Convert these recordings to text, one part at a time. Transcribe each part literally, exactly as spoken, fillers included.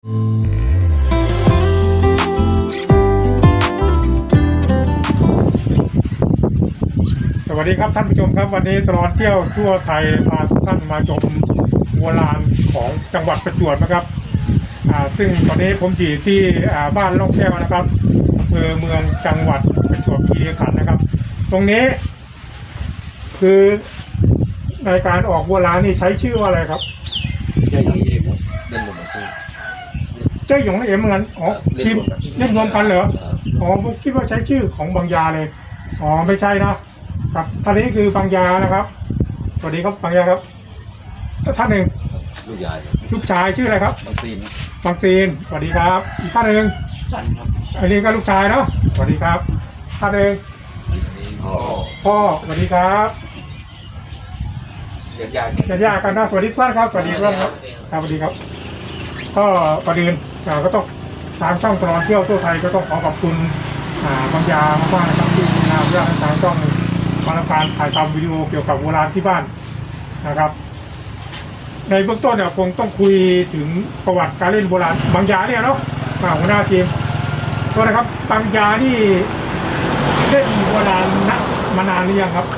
สวัสดีครับท่านผู้ชมครับวันนี้ตลอดเที่ยวทั่วไทยพาทุกท่านมาชมวัวลานของจังหวัดประจวบนะครับอ่าซึ่งตอนนี้ผมอยู่ที่อ่าบ้านล่องแก้วนะครับอำเภอเมืองจังหวัดประจวบคีรีขันธ์นะครับตรงนี้คือในการออกวัวลานนี่ใช้ชื่อว่าอะไรครับเจ้าหญิงเอ็มเล่นรวมกันเจ้าหยงเอ็มเหมือนกันอ๋อทีมเล่นรวมกันเหรออ๋อผมคิดว่าใช้ชื่อของบางยาเลยอ๋อไม่ใช่นะครับท่านนี้คือบางยานะครับสวัสดีครับบางยาครับท่านหนึ่งลูกยายลูกชายชื่ออะไรครับบางซีนบางซีนสวัสดีครับอีกท่านหนึ่งสันครับอันนี้ก็ลูกชายเนาะสวัสดีครับท่านหนึ่งพ่อพ่อสวัสดีครับญาติญาติญาติญาติกันนะสวัสดีทุกท่านครับสวัสดีทุกท่านครับครับสวัสดีครับก็ประเด็นอ่าก็ต้องทางช่องตลอดเที่ยวทั่วไทยก็ต้องขอขอบคุณอ่าบางยามากๆนะครับที่นำเรื่องทางช่องมาทำการถ่ายทำวิดีโอเกี่ยวกับโบราณที่บ้านนะครับในเบื้องต้นเนี่ยคงต้องคุยถึงประวัติการเล่นโบราณบางยาเนี่ยเนาะอ่าหัวหน้าทีมตัวนะครับบางยานี่เล่นโบราณนะมานานหรือยังครับ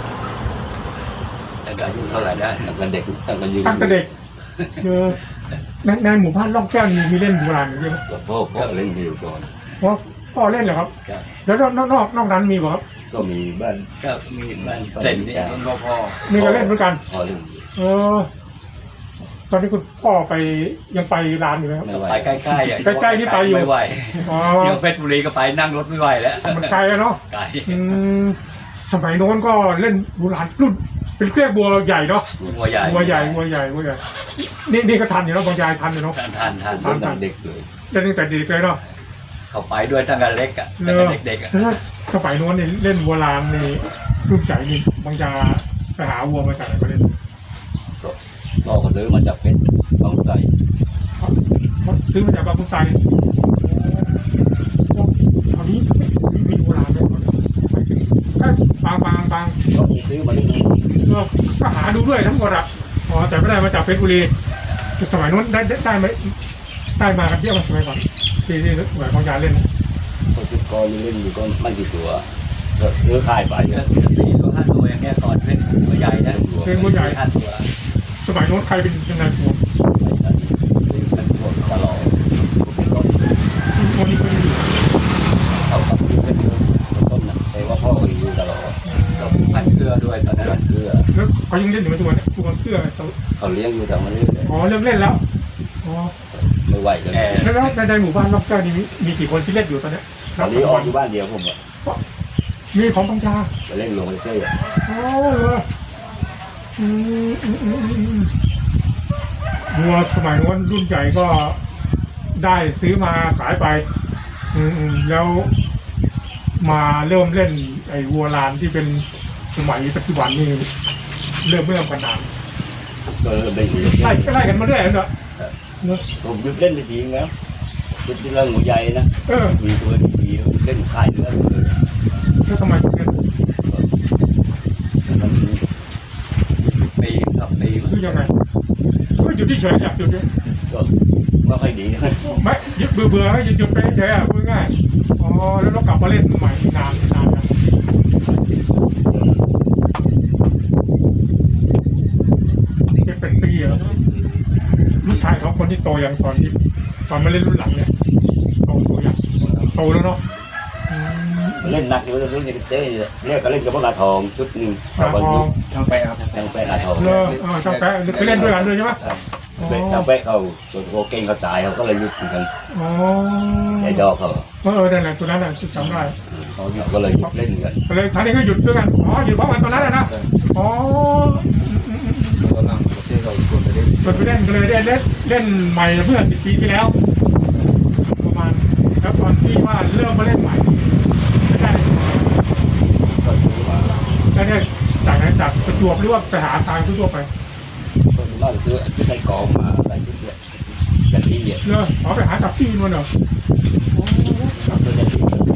แต่อายุเท่าไหร่ได้ตั้งแต่เด็กตั้งแต่ยืนตั้งแต่เด็กคือในในหมู่บ้านล่องแก้วมีมีเล่นโบราณอยู่เยอะไหมกับพ่อพ่อเล่นอยู่ก่อนเพราะพ่อเล่นเหรอครับครับแล้วนอกนอกนอกนั้นมีบ่ครับก็มีบ้านก็มีบ้านเซนนี่ต้นพ่อมีก็เล่นเหมือนกันพ่อเล่นเออตอนนี้คุณพ่อไปยังไปร้านอยู่ไหมครับไม่ไหวไปใกล้ๆอ่ะใกล้ๆนี่ไปอยู่ไม่ไหวอ๋อเดี๋ยวเพชรบุรีก็ไปนั่งรถไม่ไหวแล้วมันไกลอะเนาะไกลอืมสมัยโน้นก็เล่นโบราณรุ่นเป็นเครื่องบัวใหญ่เนาะหัวใหญ่บัวใหญ่บัวใหญ่บัวใหญ่นี่นี่ก็ทันอยู่เนาะบางยายทันอยู่เนาะทันทันทันเล่นตั้งเด็กเลยเล่นตั้งแต่เด็กเลยเนาะเขาไปด้วยตั้งแต่เล็กอ่ะตั้งแต่เด็กๆอ่ะแล้วสมัยโน้นนี่เล่นโบราณนี่รุ่นใหญ่นี่บางยาไปหาวัวมาจากไหนมาเล่นพ่อก็ซื้อมาจากเพชรบางไทรเขาซื้อมาจากบางขุนไซตอนนี้มีมีโบราณเลยไปถึงถ้าบางบางบางก็ซื้อมาเล่นเออก็หาดูด้วยทั้งหมดอ่ะอ๋อแต่ไม่ได้มาจากเพชรบุรีสมัยนู้นได้ได้ได้ไหมได้มากันเยอะไหมสมัยก่อนที่ที่สมัยบางยาเล่นก็ชุดกรเล่นอยู่ก็ไม่กี่ตัวก็ซื้อขายไปเยอะตีตัวห้าตัวอย่างเงี้ยก่อนเพชรหัวใหญ่นะเป็นบัวใหญ่ห้าตัวสมัยนู้นใครเป็นยังไงผมเป็นพวกตลอดเป็นต้นคนนี้คนนี้เขาขับอยู่เป็นต้นนะแต่ว่าพ่อก็อยู่ตลอดก็พันเกลือด้วยตอนนั้นเพื่อแล้วเขายังเล่นอยู่ไหมทุกวันนี้ทุกวันเพื่อเขาเลี้ยงอยู่แต่มันเรื่อยอ๋อเลิกเล่นแล้วอ๋อไม่ไหวเลยแล้วในในหมู่บ้านรอบเก้านี่มีมีกี่คนที่เล่นอยู่ตอนนี้ตอนนี้ออกอยู่บ้านเดียวผมอะมีของบางยาไปเล่นลงไปเต้ยอ๋อเหรออืมอืมอืมอืมวัวสมัยนู้นรุ่นใหญ่ก็ได้ซื้อมาขายไป อืมอืมแล้วมาเริ่มเล่นไอ้วัวลานที่เป็นสมัยปัจจุบันนี่เริ่มเริ่มกันนานก็เริ่มเล่นอยู่ไล่ไล่กันมาเรื่อยๆเนอะเนอะผมหยุดเล่นไปทีนึงแล้วหยุดที่เรื่องหัวใหญ่นะเออมีตัวดีๆเล่นค่ายเนื้อเลยแล้วทำไมถึงเล่นมันปีกับปีคือยังไงก็หยุดที่เฉยๆอยากหยุดเนี่ยก็ไม่ค่อยดีนะไม่หยุดเบื่อเบื่อๆหยุดหยุดไปเฉยๆอ่ะพูดง่ายอ๋อแล้วเรากลับมาเล่นใหม่นานนานยังเป็นเป็นปีแล้วลูกชายสองคนที่โตยังตอนที่ตอนมาเล่นรุ่นหลังเนี่ยโตโตยังโตแล้วเนาะอืมเล่นหนักอยู่แล้วเล่นเต้ยเรียกก็เล่นกับพวกนาทองชุดหนึ่งปลาทองทางไปครับทางแปะนาทองเลอเออจำแปะไปเล่นด้วยกันด้วยใช่ไหมทางแปะเขาตัวโกเก่งเขาตายเขาก็เลยยุดกันอ๋อไอ้ดอกเขาเออนั่นแหละตัวนั้นแหละจำได้เขาก็เลยยุดเล่นกันก็เลยท่านนี้ก็หยุดด้วยกันอ๋อหยุดเพราะมันตัวนั้นแหละนะอ๋อตอนหลังประเทศเราควรไปเล่นเปิดไปเล่นก็เลยได้เล่นเล่นใหม่เมื่อสิบปีที่แล้ว ประมาณแล้วตอนที่ว่าเริ่มมาเล่นใหม่ไม่ได้ก็ถือว่าได้ได้จากไหนจากประจวบหรือว่าไปหาทางทั่วไปคนบ้านคือชุดในกองมาอะไรชุดเนี่ยกันที่เนี่ยเนอะอ๋อไปหาจากที่นู่นเหรอโอ้ตัวนี้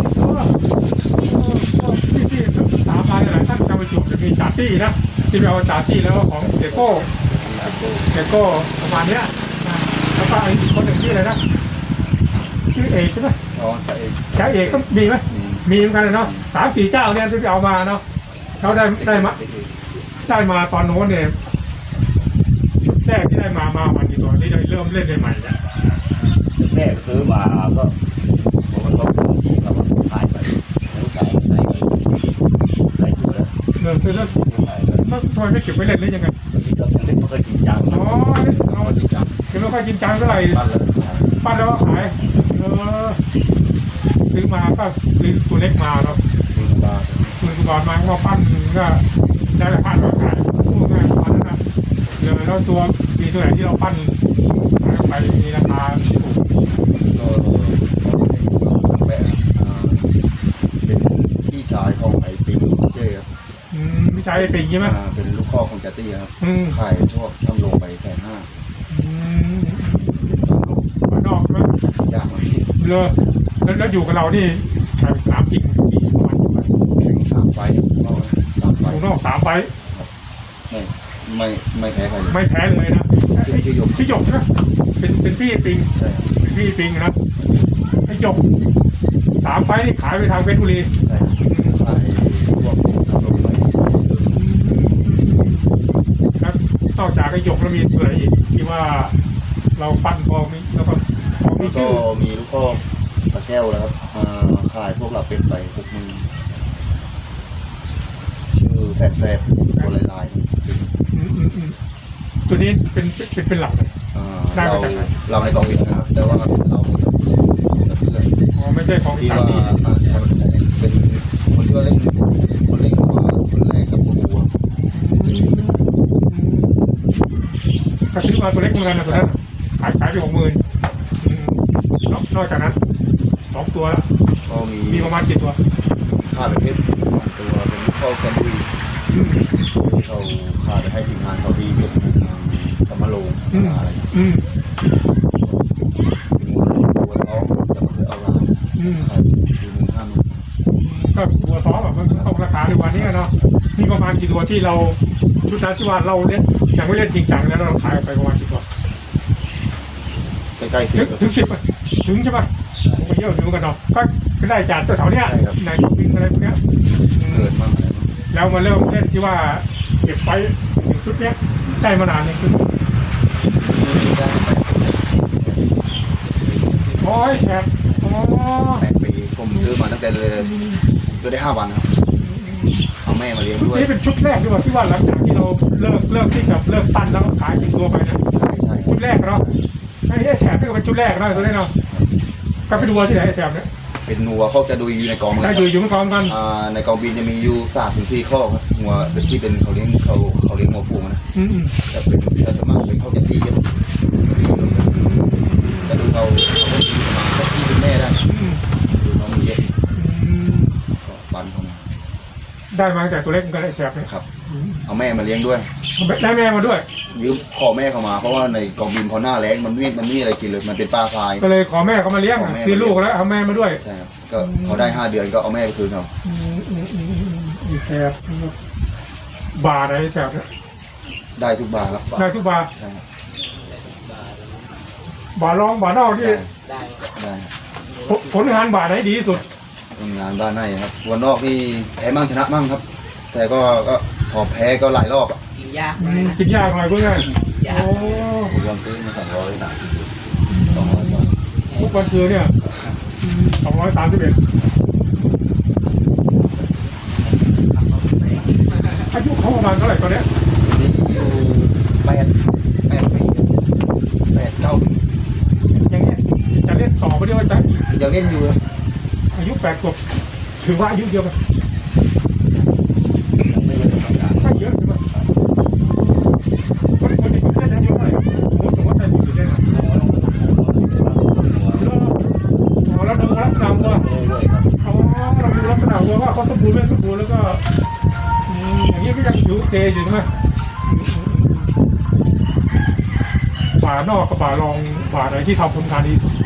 ที่ที่สามรายหลายท่านจะไปจุดจะมีจ่าตี้นะที่ไปเอาจ่าตี้แล้วของเดโก้เดโก้ประมาณเนี้ยนะแล้วแล้วก็อีกคนหนึ่งชื่ออะไรนะชื่อเอกใช่ไหมอ๋อแต่เองแกเอกก็มีไหมมีเหมือนกันเนาะสามสี่เจ้าเนี่ยที่เอามาเนาะเขาได้ได้มาได้มาตอนโน้นเนี่ยชุดแรกที่ได้มามาวันกี่ตัวที่ได้เริ่มเล่นใหม่ๆเนี่ยแม่ซื้อมาก็ผมก็ต้องที่เขาขายไปแล้วใส่ใส่ใส่ตัวแล้วเริ่มคือเริ่มใส่แล้วทำไมไม่เก็บไว้เล่นหรือยังไงที่เราเล่นมันก็จริงจังอ๋อเอาจริงจังเก็บไม่ค่อยจริงจังเท่าไหร่ปั้นเลยปั้นแล้วก็ขายเออซื้อมาก็ซื้อตัวเล็กมาเนาะดูบาร์คุณก่อนมาก็ปั้นก็ได้ราคาก็ขายพูดง่ายประมาณนั้นนะเดี๋ยวแล้วตัวมีตัวไหนที่เราปั้นขายออกไปมีราคาถูกก็แปะเป็นพี่ชายของไอ้ปิงเจ้ครับอืมไม่ใช่ปิงใช่ไหมอ่าเป็นลูกข้อของจัตตี้ครับอืมขายพวกทำลงไปแสนห้าอืมบ้านนอกใช่ไหมยากมากเลยแล้วแล้วอยู่กับเรานี่ขายสามจริงกี่ประมาณกี่ใบแข่งสามไฟล์สามไฟอยู่นอกสามใบไม่ไม่ไม่แพ้ใครเลยไม่แพ้เลยนะชื่อหยกพี่หยกนะเป็นเป็นพี่ปิงใช่ครับเป็นพี่ปิงนะไอ้หยกสามไฟนี่ขายไปทางเพชรบุรีใช่ครับขายพวกทำลงไปแล้วนอกจากไอ้หยกแล้วมีตัวอะไรอีกที่ว่าเราปั้นพอมีแล้วก็พอมีแล้วก็ชื่อมีลูกข้อตะแก้วนะครับอ่าขายพวกเราเป็นไปหกหมื่นชื่อแสบแสบตัวลายลายอืมอืมอืมตัวนี้เป็นเป็นเป็นหลักเลยอ่าได้เรามาจากไหนเราในกองวินนะครับ แต่ว่าเรากับเพื่อนอ๋อไม่ใช่ของที่สาว่ามีอ่าใช่เป็นคนที่ว่าเล่นคนเล่นมาคนแรกกับบัวก็ซื้อมาตัวเล็กเหมือนกันนะตัวนั้นขายขายไปหกหมื่นนอกจากนั้นสองตัวแล้วก็มีมีประมาณกี่ตัวค่าประเภทอีกสองตัวเป็นลูกข้อกันดุยที่เขาค่าไปให้ทีมงานเขาดีเป็นทางสมโลงอะไรอืมตัวท้องจะมาคือเอาลาอืมขายสี่หมื่นห้าหมื่นก็ตัวซ้อมแบบมันเข้าราคาในวันนี้เนาะมีประมาณกี่ตัวที่เราชุดนั้นที่ว่าเราเล่นยังไม่เล่นจริงจังแล้วเราขายไปประมาณกี่ตัวใกล้ๆสิถึบงถึงสิบถึงใช่ปะไปเยอะอยู่กันเนาะก็ก็ได้จากตัวแถวเนี้ยในตัวบินอะไรพวกเนี้ยเกิดมากเลยแล้วมาเริ่มเล่นที่ว่าเก็บไว้ชุดเนี้ยได้มานานเนี่ยคือโอ้ยแอบอ๋อแปดปีผมซื้อมาตั้งแต่เลยซื้อได้ห้าวันครับเอาแม่มาเลี้ยงชุดด้วยนี้เป็นชุดแรกด้วยว่าที่ว่าหลังจากที่เราเลิกเลิกที่จะเลิกปั้นแล้วก็ขายเป็นตัวไปนะใช่ใช่ชุดแรกเนาะไอ้ไอ้แถบนี่ก็เป็นชุดแรกเนาะตัวนี้เนาะก็ไปดูว่าที่ไหนไอ้แถบเนี่ยเป็นหัวเขาจะดูอยู่ในกองเลยถ้าอยู่อยู่ไม่พร้อมกันอ่าในกองบินจะมีอยู่สามถึงสี่ข้อครับหัวเป็นที่เป็นเขาเลี้ยงเขาเขาเลี้ยงหัวฟูงนะอืมอืมแต่เป็นแต่สวนมากเป็นเขาจะตีกันตีกันแต่ดูเขาเขาก็ตีประมาณเขาตีเป็นแม่ได้อืมดูน้องมันเยอะอืมก็ปันเข้ามาได้มาตั้งแต่ตัวเล็กกันไอ้แถบเนี่ยครับเอาแม่มาเลี้ยงด้วยได้แม่มาด้วยยืมขอแม่เข้ามาเพราะว่าในกองบินพอหน้าแล้งมันไม่มันไม่มีอะไรกินเลยมันเป็นปลาทรายก็เลยขอแม่เขามาเลี้ยงอะซื้อลูกแล้วเอาแม่มาด้วยใช่ครับก็พอได้ห้าเดือนก็เอาแม่ไปคืนเขาอืมอืมอืมอืมอีแถบบาร์อะไรแถบเนี่ยได้ทุกบาร์ครับได้ทุกบาร์ใช่ครับบาร์รองบาร์นอกที่ได้ได้ครับผลผลงานบาร์ไหนดีที่สุดทำงานบ้านในครับวันนอกนี่แพ้มั่งชนะมั่งครับ แต่ก็ก็พอแพ้ก็หลายรอบอ่ะกินยากอืมกินยากหน่อยเพื่อนยาโอ้กผมยอมซื้อมาสองร้อยบาทสองร้อยบาททุกวันคือเนี่ยสองร้อยสามสิบเอ็ดอายุเขาประมาณเท่าไหร่ตอนเนี้ยนี่อยู่แปดแปดปีแปดเก้าปีอย่างเงี้ยจะเล่นต่อไปเดียวจะยังเล่นอยู่ครับอายุแปดขวบถือว่าอายุเดียวกันยังไม่เล่นทำงานไม่เยอะใช่ไหมคนคนที่เขาเล่นอายุเท่าไหร่สมมติสมมติใจบุญอยู่เล่นอะอ๋อเราดูลักษณะวัวอ๋อเราดูลักษณะวัวว่าเขาสมบูรณ์ไม่สมบูรณ์แล้วก็อืมอย่างนี้ก็ยังอยู่เตอยู่ใช่ไหมป่านอกกับป่ารองป่าไหนที่ทำผลงานดีสุด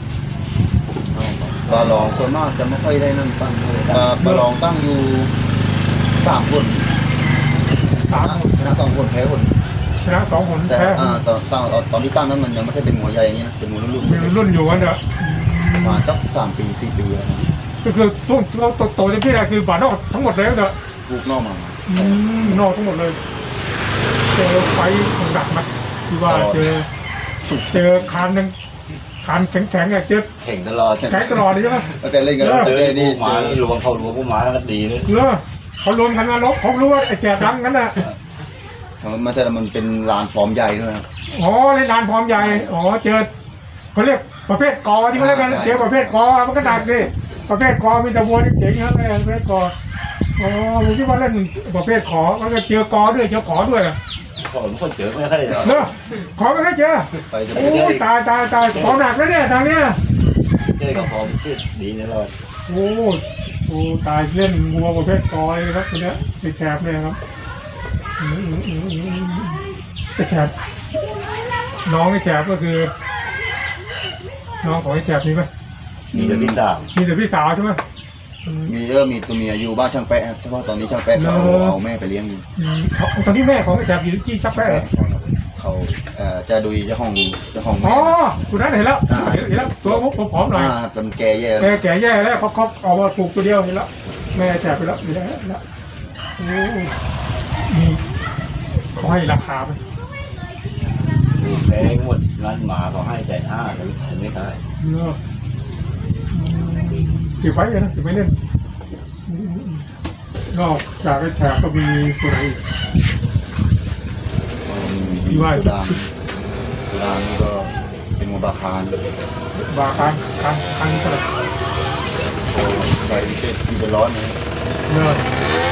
ปลาลองส่วนมากจะไม่ค่อยได้นั่งตั้งเลยปลาปลาลองตั้งอยู่สามคนสามคนชนะสองคนแพ้คนอชนะสองหนแต่แพ้อ่าตอนตอนตอนที่ตั้งนั้นมันยังไม่ใช่เป็นหัวใหญ่อย่างนี้นะเป็นหัวรุ่นมีรุ่นอยู่กันเด้อๆประมาณสักสามปีสี่ปีแล้วนะก็คือช่วงเราโตเต็มที่เลยคือบาดนอกทั้งหมดเลยเด้อลูกนอกมาอืมนอกทั้งหมดเลยเจอไฟดักมาที่ว่าเจอเจอคานหนึ่งคานแข็งแข็งๆเจอแข่งตลอดแข็งตลอดเลยใช่ไหมตั้งแต่เล่นกันเออตั้งแต่นี่นี่หมาลวงเข้าลวงพวกหมาแล้วก็ดีเลยเออเขารวมกันมาลบเขารู้ว่าไอ้แก่ดำกันน่ะมันจะมันเป็นลานฟอร์มใหญ่ด้วยครับอ๋อเล่นนานฟอร์มใหญ่อ๋อเจอเขาเรียกประเภทกอที่เขาเรียกกันเจอประเภทกอมันก็หนักดิประเภทกอมีแต่วัวที่เจ๋งนะประเภทกออ๋อผมคิดว่าเล่นประเภทขอมันก็เจอกอด้วยเจอขอด้วยก็ผมคนเจอไม่ค่อยได้หรอกเนอะขอไม่ได้เจอไปจะโอ้ยตายตายตายขอหนักแล้วเนี่ยทางเนี้ยเจอกับผมที่ดีตลอดโอ้โอ้ตายเล่นวัวประเภทกอยครับคนเนี้ยไอ้แคบเนี่ยครับอืมอืมอืมอืมไอ้แคบน้องไอ้แคบก็คือ น้องของไอ้แคบนี่ไหมมีแต่พี่ต่างมีแต่พี่สาวใช่ไหมอืมมีเยอะมีตัวเมียอยู่บ้านช่างแปะครับเฉพาะตอนนี้ช่างแปะเขาเนอะเอาแม่ไปเลี้ยงอยู่อืมเขาตอนนี้แม่ของไอ้แคบอยู่ที่ชักแป้ใช่ครับเขาเอ่อจะดูเจ้าของเจ้าของอ๋แม่อคุณนั้นเห็นแล้วเห็นเห็นแล้วตัวผมผอมๆหน่อยอ่าจนแก่แย่แกแก่แย่แล้วเขาเขาเอามาปลูกตัวเดียวเห็นแล้วแม่แจกไปแล้วเห็นแล้วเห็นแล้วโอ้มีเขาให้ราคาไหมดูแพงหมดร้านหมาเขาให้แต่ห้าแต่ไม่ขายเนอะเก็บไว้เลยนะเก็บไว้เล่นอืมอืมอืมนอกจากไอ้แถบก็มีตัวไหนอีกมีตัวดำตัวดำก็เป็นมูบาคานบาคันคันคันกระดาษโอ้ใส่เป็นมีเป็นร้อนนะเนอะ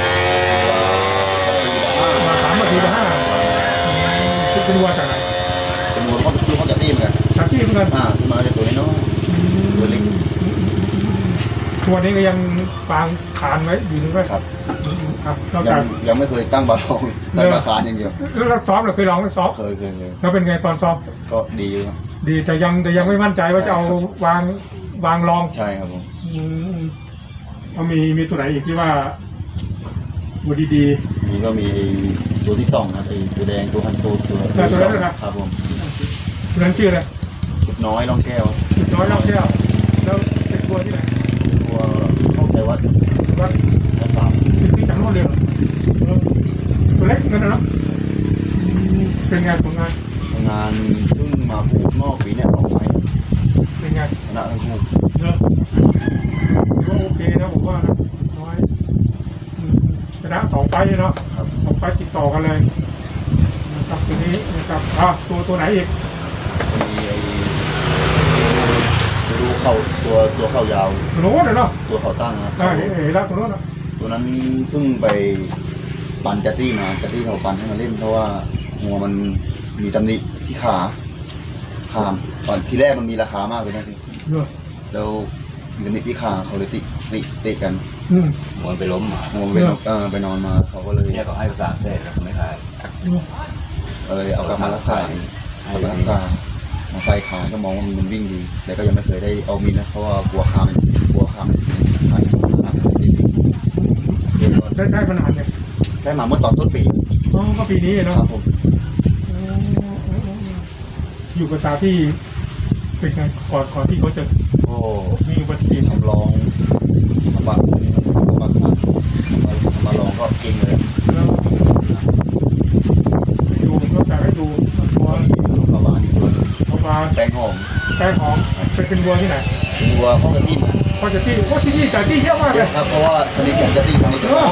มาสามนาทีละห้าอืมเป็นวัวจากไหนเป็นมูเขาลูกเขาจะตีมกันจากที่เหมือนกันอ่าซื้อมาจะตัวน้อยๆตัวเล็กตัวนี้ก็ยังฟางขานไว้อยู่นึงไว้ครับอืมครับนอกยัจากงยังไม่เคยตั้งบาลองตั้งบาคานอย่างเดียวแล้วเราซ้อมเราเคยลองไหมซ้อมเคยเคยเคยแล้วเป็นไงตอนซ้อมก็ดีอยู่ครับดีแต่ยังแต่ยังไม่มั่นใจว่าจะเอาวางวางรองใช่ครับผมอืมเอามีมีตัวไหนอีกที่ว่าดูดีนี่ก็มีตัวที่สองนะไอ้ตัวแดงตัวพันตัวตัวแต่ตัวนั้นเหรอครับครับผมๆตัวนั้นชื่ออะไรชุดน้อยร่องแก้วจุดน้อยรอบแก้วแล้วเป็นตัวที่ไหนตัวเข้าใจวัดว่าวัดสามเป็นที่จากโน่นเลยเหรอเออตัวเล็กเหมือนกันนะเนาะอืมเป็นไงผลงานงานเพิ่งมาปลูกนอกปีเนี่ยสองไม้เป็นไงชนะทั้งคู่เนอะถือว่าโอเคนะผมว่านะน้อยอืมชนะสองไฟล์เนาะครับสองไฟล์ติดต่อกันเลยนะครับตัวนี้นะครับอ่ะตัวตัวไหนอีกมีไอ้ตัวดูเข่าตัวตัวเข่ายาวตัวโน้นเนาะตัวเข่าตั้งนะได้เห็นเห็นแล้วตัวโน้นอ่ะตัวนั้นเพิ่งไปปั่นจัตตี้มาจัตตี้เขาปั่นให้มาเล่นเพราะว่าหัวมันมีตำหนิที่ขาขามตอนที่แรกมันมีราคามากเลยนะพี่เนอะแล้วมีตำหนิที่ขาเขาเลยติติติกันอืมมันไปล้มหมาหัวไปนอนเออไปนอนมาเขาก็เลยเนี่ยเขาให้ภาษาเศษแล้วไม่ขายเออเอากลับมารักษาเอาไปรักษามาใส่ขาก็มองว่ามันวิ่งดี แต่ก็ยังไม่เคยได้เอามินนะเพราะว่ากลัวขามกลัวขามใช่ติดได้ได้ขนาดเนี่ยได้มาเมื่อตอนต้นปีอ๋อก็ปีนี้คเนาะรับผมอ๋ออยู่กับตาที่เป็นไงก่อนก่อนที่เขาจะโอ้มีอุบัติเหตุทำลองทำบักทำบักทำมาลองก็เก่งเลยแล้วไปดูนอกจากให้ดูตัวลูกกระบาลอีกตัวเอามาแป้งหอมแป้งหอมเป็นเป็นวัวที่ไหนวัวข้องกระติ้มก็จะที่โอ้ที่นี่แต่ที่เยอะมากเลยครับเพราะว่าสนิทกับกระติ้มสนิทกับโอ้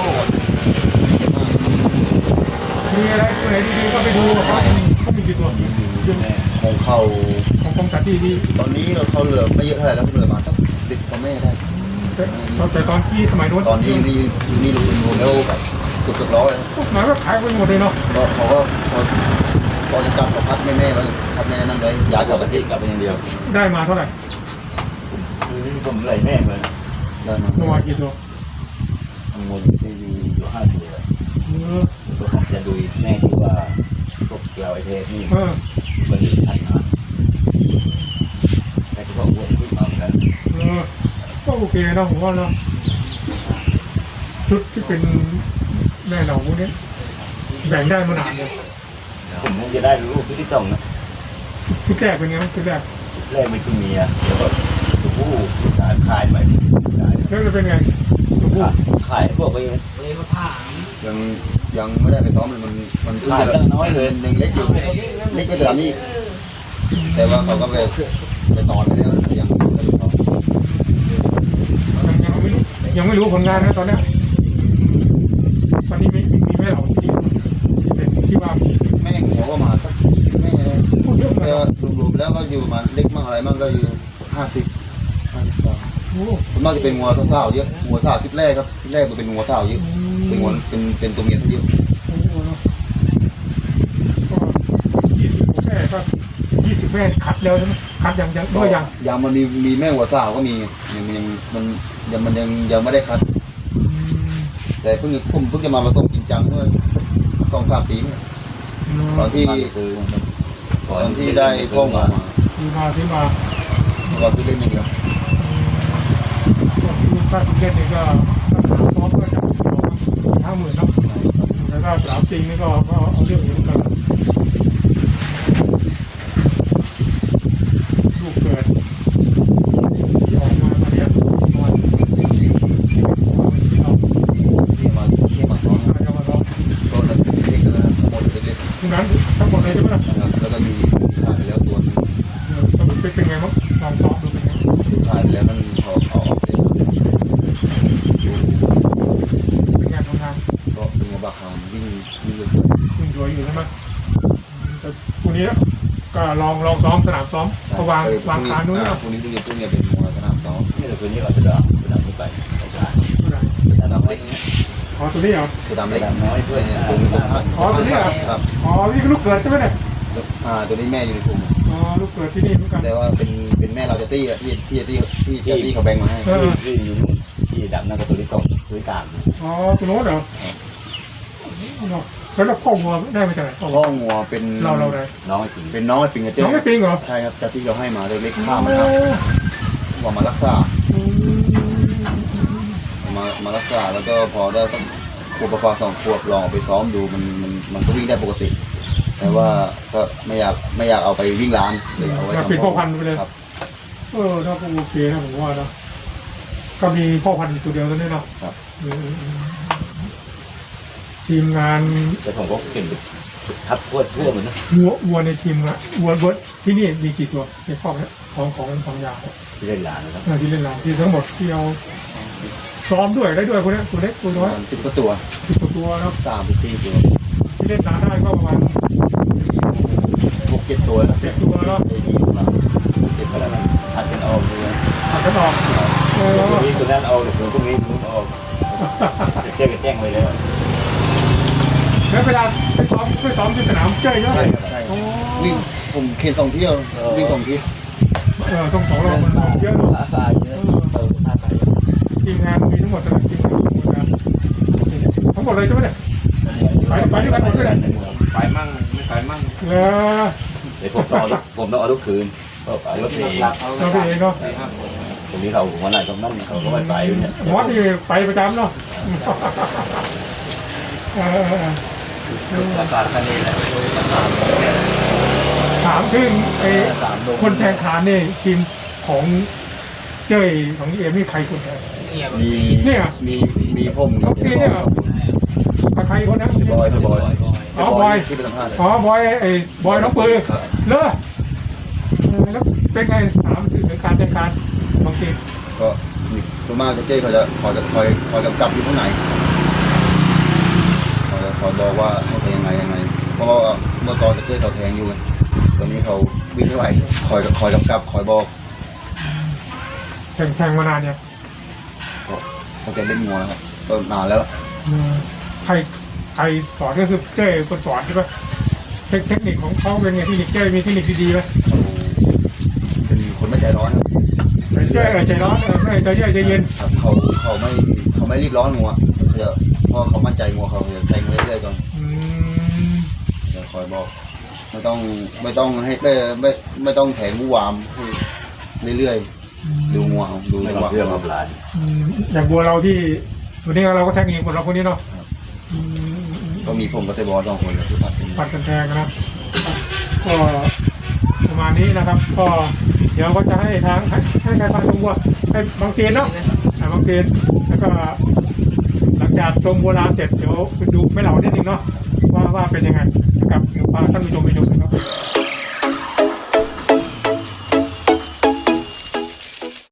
มีอะไรตัวไหนดีๆก็ไปดูเขาเขามีกี่ตัวอยู่แม่ของเขาของกรมจัดที่ดีตอนนี้เราเขาเหลือไม่เยอะเท่าไหร่แล้วเหลือมาสักสิบกว่าแม่ได้แต่แต่ตอนที่สมัยโน้นตอนนี้นี่นี่ลูกเป็นโมเดลแบบเกือบเกือบร้อยพวกหมายว่าขายไปหมดเลยเนาะก็เขาก็พอพอจะจับเขาพัดแม่แม่ไว้พัดแม่นั่นไว้ย้ายปกลับกประเทติศกลับไปอย่างเดียวได้มาเท่าไหร่คือผมไหลแม่เลยได้มาเมื่อวานกี่ตัวทั้งหมดที่อยู่อยู่ห้าตัวเออตัวผมจะดูแม่ที่ว่าพวกเราไอเทสนี่เออมันดีทันนะแต่ที่เขาอ้วนขึ้นมาเหมือนกันเออก็โอเคนะผมว่าเนาะชุดที่เป็นแม่เหนาพวกนี้แบ่งได้มานานเลยได้ผมคงจะได้ลูกที่สองนะชุดแรกเป็นไงชุดแรกแรกเป็นคือเมียแล้วก็ตัวผู้ขายขายไปขายแล้วจะเป็นไงตัวผู้ขายพวกไปยังยังไม่ได้ไปซ้อมเลยมันมันขายน้อยเลยยังเล็กอยู่เล็กก็จะทำนี่แต่ว่าเขาก็ไปไปตอนไปแล้วยังไม่ได้ซ้อมยังยังไม่รู้ยังไม่รู้ผลงานนะตอนเนี้ยตอนนี้มีมีแม่เหล่าที่ที่เป็นที่ว่าแม่หัวประมาณสักแม่พูดเยอะเลแต่ยว่ารวมๆแล้วก็อยู่ประมาณเล็กมั่งอะไรมั่งก็อยู่ห้าสิบห้าสิบกว่าโอ้ส่วนมากจะเป็นงัวสาวๆเยอะงัวสาวคลิปแรกครับคลิปแรกมันเป็นงัวสาวเยอะเป็นงัวเป็นเป็นตัวเมียซะเยอะโหเนาะก็ยี่สิบแม่ก็ยี่สิบแม่คัดแล้วใช่ไหมคัดยังยังด้วยยังยังมันมีมีแม่หัวสาวก็มียังยังมันยังมันยังยังไม่ได้คัด แต่เพิ่งผมเพิ่งจะมาผสมจริงจังเมื่อสองสามปีเนี่ยตอนที่ซื้อตอนที่ได้พ่อมามาที่มาที่มาตอนที่เล่นอย่างเดียวก็คือค่าติเกตนี่ก็สามซ้อมก็จะห้าหมื่นเนาะแล้วก็สามจริงนี่ก็ก็เอาเรื่องอยู่เหมือนกันลูกเกิดที่ออกมาตอนนี้มาที่เราที่มาที่มาซ้อมจะมาซ้อมก็เล็กๆนะทั้งหมดเล็กทุกนั้นทั้งหมดเลยใช่ไหมล่ะๆนะครับแล้วก็มีถ่ายไปแล้วตัวนึงสรุปเป็นไงบ้างลองซ้อมดูเป็นไงถ่ายไปแล้วมันพอเอาออกเลยเป็นไงทำงานก็เป็นงัวบาคามวิ่งวิ่งเลยคุณรวยอยู่ใช่ไหมแต่พรุ่งนี้ก็ลองลองซ้อมสนามซ้อมก็วางวางคานนู้นนะพรุ่งนี้พรุ่งนี้พรุ่งนี้เป็นงัวสนามซ้อมนี่แต่ตัวนี้เราจะดับจะดับไม่ไปจะดับเล็กอ๋อตัวนี้เหรอตัวดำเล็กดับน้อยด้วยตรงนี้ผมอ๋อตัวนี้เหรอครับอ๋อนี่ก็ลูกเกิดใช่ไหมเนี่ยอ่าตัวนี้แม่อยู่ในกลุ่มอ๋อลูกเกิดที่นี่เหมือนกันแต่ว่าเป็นเป็นแม่เราจะตี้อะที่ที่ที่ที่ที่ที่เขาแบ่งมาให้ที่อยู่ที่ดับนั่นก็ตัวที่สองตัวที่สามอ๋อตัวโน้นเหรอเนาะแล้วเราพ่อวัวได้มาจากไหนพ่อวัพ่วองัวเป็นเราเราได้น้องไอ้ปิงเป็นน้องไอ้ปิงกับเจ๊น้องไม่ปิงเหรอใช่ครับจากที่เราให้มาเล็กๆข้ามมาครับว่ามารักษามามารักษาแล้วก็พอได้สักขวบประมาณสองขวบลองเอาไปซ้อมดูมันมันมันก็วิ่งได้ปกติ แต่ว่าก็ไม่อยากไม่อยากเอาไปวิ่งร้านเลยเอาไว้อยากทำเป็นพ่อพันธุ์ไปเลยครับเออถ้าก็โอเคนะผมว่านะก็มีพ่อพันธุ์อยู่ตัวเดียวแล้วเนี่ยเนาะครับอืมทีมงานแต่ผมก็เก่งทับทั่วทั่วเหมือนนะวัววัวในทีมอะวัววัวที่นี่มีกี่ตัวในครอบเนี่ยของของของยาเนี่ยที่เล่นหลานนะครับเออที่เล่นหลังที่ทั้งหมดที่เอาซ้อมด้วยได้ด้วยคนเนี้ยตัวเล็กตัวปน้ระอยมาณสิบกว่าตัวสิบกว่าตัวเนาะสามสิบสี่ตัวที่เล่นหนาได้ก็ประมาณหกเจ็ดตัวแล้วเจ็ดตัวเนาะไอ้ที่อยู่มาเจ็บอะไรมันทัดกันออกเลยผัดกันออกเออตัวนี้ตัวนั้นเอาเดี๋ยวตัวนี้ตัวออกแจ้งกันแจ้งไปแล้วแล้วเวลาไปซ้อมไปซ้อมที่สนามเจ้ยเยอะใช่ครับใช่โอ้วิ่งผมเคนสองเที่ยววิ่งสองที่เออต้องสองรอบมันเยอะเนาะขาตายเยอะเออขาตายทีมงานมีทั้งหมดเท่าไหร่ทีมงานมีทั้งหมดนะทั้งหมดเลยใช่ไหมเนี่ยไปมั่งไม่ไปมั่งเออเดี๋ยวผมต้องเอาผมต้องเอาทุกคืนก็ไปรถเองเราไปเองเนาะตรงนี้เขาหัวไหนก็นั่นเขาก็ไม่ไปเนี่ยหมอที่ไปประจำเนาะเออเออเออราคาแค่นี้แหละถามถึงไอ้สามโลคนแทงขานนี่ทีมของเจ้ยของเอ็มนี่ใครคนแทงมีเนี่ยมีมีผมท็อปซีเนี่ยเหรอ ใครคนนั้นบอยบอยอ๋อบอยที่เป็นสัมภาษณ์อ๋อบอยไอ้บอยน้องปืนครับเลอะเออแล้วเป็นไงถามถึงการแทงขานบางทีก็ส่วนมากเจ๊เขาจะคอยจะคอยคอยกำกับอยู่ข้างในคอยคอยบอกว่าให้ทำยังไงยังไง เพราะว่าเมื่อก่อนเจ๊เขาแทงอยู่ไงตอนนี้เขาวิ่งไม่ไหวคอยคอยกำกับคอยบอกแทงแทงมานานเนี่ยก็ตั้งแต่เล่นงัวนะครับก็นานแล้วเออใครใครสอนก็คือเจ้คนสอนใช่ปะเทคเทคนิคของเขาเป็นไงเทคนิคเจ้มีเทคนิคดีๆไหมเขาเป็นคนไม่ใจร้อนครับแต่เจ้เออใจร้อนเออไม่ใจเย็นใจเย็นครับเขาเขาไม่เขาไม่รีบร้อนงัวเขาจะเพราะเขามั่นใจงัวเขาจะใจเรื่อยๆก่อนอืมเดี๋ยวคอยบอก ไม่ต้องไม่ต้องให้ไม่ไม่ไม่ต้องแถงมูวามให้เรื่อยๆดูงัวเอาดูไม่จังต้หองวะเชื่อกับหลานอืมอย่างบัวเราที่วันนี้เราก็แทงเองคนเราคนนี้เนาะอืมก็มีผมกับเตบอลสองคนที่ผัดกันปัดกันแทงนะคก็ประมาณนี้นะครับ ก็เดี๋ยวก็จะให้ทางให้ให้การพาชมวัวให้บางเซียนเนาะอ่าบางเซียนแล้วก็หลังจากชมวัวลานเสร็จเดี๋ยวไปดูไม่เหล่านิดนึงเนาะว่าว่าเป็นยังไงนะครับเดี๋ยวพาท่านผู้ชมไปชมกันครับ